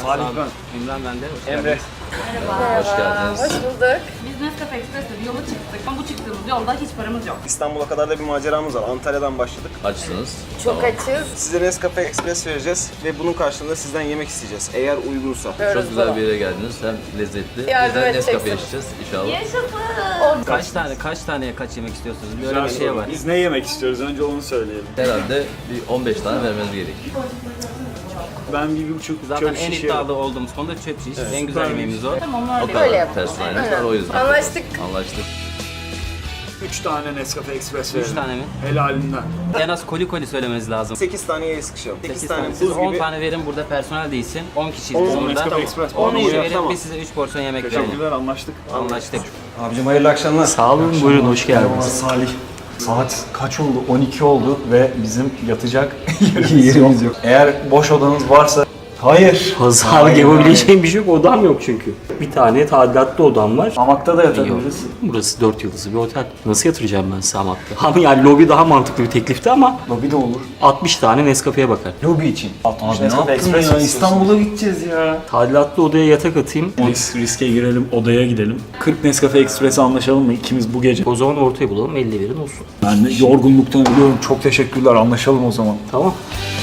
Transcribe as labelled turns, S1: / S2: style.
S1: Salih ben.
S2: İmran ben de.
S1: Emre.
S3: Merhaba.
S4: Hoş geldiniz.
S3: Hoş bulduk.
S5: Biz Nescafe Express'le bir yola çıktık ama bu çıktığımız yolda hiç paramız yok.
S6: İstanbul'a kadar da bir maceramız var. Antalya'dan başladık.
S4: Açsınız.
S3: Çok açız.
S6: Size Nescafe Express vereceğiz ve bunun karşılığında sizden yemek isteyeceğiz. Eğer uygunsa.
S4: Çok güzel bir yere geldiniz. Hem lezzetli.
S3: Yardım
S4: Biz de Nescafe
S3: edeceksiniz.
S4: yaşayacağız inşallah.
S5: Yaşasın.
S2: Kaç taneye kaç yemek istiyorsunuz? Böyle bir şey var.
S1: Biz ne yemek istiyoruz? Önce onu söyleyelim.
S4: Herhalde bir 15 tane vermeniz gerek.
S1: Ben bir buçuk
S2: Zaten
S1: çöp
S2: en
S1: şişe
S2: iddialı olduğumuz konuda çöp şiş. En güzel yemeğimiz o.
S5: Tamam
S4: O
S5: öyle.
S4: kadar
S3: Öyle yapalım.
S4: personelimiz var o yüzden.
S3: Anlaştık.
S4: Anlaştık.
S1: 3 tane Nescafe Express
S2: 3
S1: verelim.
S2: tane mi?
S1: Helalinden.
S2: En az koli söylemeniz lazım.
S6: 8 taneye sıkışalım. 8 tane
S2: Siz
S6: buz
S2: 10
S6: gibi.
S2: tane verin, burada personel değilsin. 10 kişiyiz
S6: 10
S2: biz burada.
S1: Nescafe Express.
S2: 10 kişi
S6: Tamam.
S2: verin, biz size 3 porsiyon yemek verelim.
S1: Teşekkürler, anlaştık.
S2: Anlaştık.
S6: Abicim hayırlı akşamlar.
S7: Sağ olun, buyurun hoş geldiniz.
S8: Salih. Saat kaç oldu? 12 oldu ve bizim yatacak yerimiz yok. Eğer boş odanız varsa... Hayır.
S7: Pazarlık yapabileceğim bir şey yok, odam yok çünkü. Bir tane tadilatlı odam var.
S8: Hamakta da
S7: Yok.
S8: yatabiliriz.
S7: Burası 4 yıldızlı bir otel. Nasıl yatıracağım ben size hamakta? Ama yani lobi daha mantıklı bir teklifti ama
S8: Lobi de olur.
S7: 60 tane Nescafe'ye bakar.
S8: Lobi için. 60
S7: Abi ne
S8: Nescafe
S7: yaptın
S8: Express
S7: ya?
S8: mi İstanbul'a gideceğiz ya.
S7: Tadilatlı odaya yatak atayım.
S8: Riske girelim, odaya gidelim. 40 Nescafe Express'e anlaşalım mı ikimiz bu gece?
S7: O zaman ortaya bulalım, 50 verin olsun.
S8: Ben de yorgunluktan ölüyorum. Çok teşekkürler. Anlaşalım o zaman.
S7: Tamam.